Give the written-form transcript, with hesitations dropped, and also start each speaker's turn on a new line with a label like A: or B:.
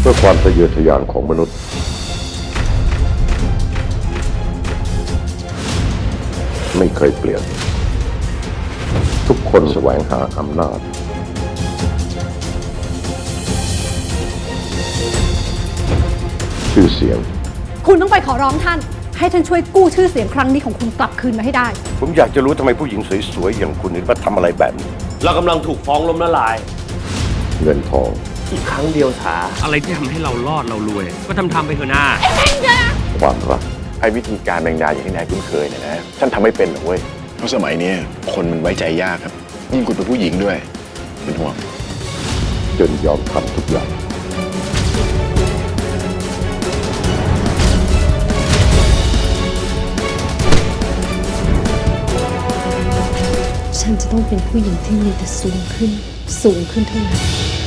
A: พื่อความทะเยอทะยานของมนุษย์ไม่เคยเปลี่ยนทุกคนแสวงหาอำนาจชื่อเสียง
B: คุณต้องไปขอร้องท่าน ให้ท่านช่วยกู้ชื่อเสียงครั้งนี้ของคุณกลับคืนมาให้ได้
A: ผมอยากจะรู้ทำไมผู้หญิงสวยๆอย่างคุณถึงมาทำอะไรแบบนี้
C: เรากำลังถูกฟ้องล้มละลาย
A: เงินทอง
C: อีกครั้งเดียวสา
D: อะไรที่ทำให้เรารอดเรารวย ก็ทำไปเถอะหน้า
A: ความรัก
E: ไอ้วิธีการแบ่งดาอย่างที่นายคุ้นเคยเนี่ยนะท่านทำไม่เป็นหรอกเว้ยเพราะสมัยนี้คนมันไว้ใจยากครับยิ่งคุณเป็นผู้หญิงด้วยเป็นห่วง
A: จนยอมทำทุกอย่าง
B: ฉันจะต้องเป็นผู้หญิงที่มีแต่สูงขึ้น สูงขึ้นเท่านั้น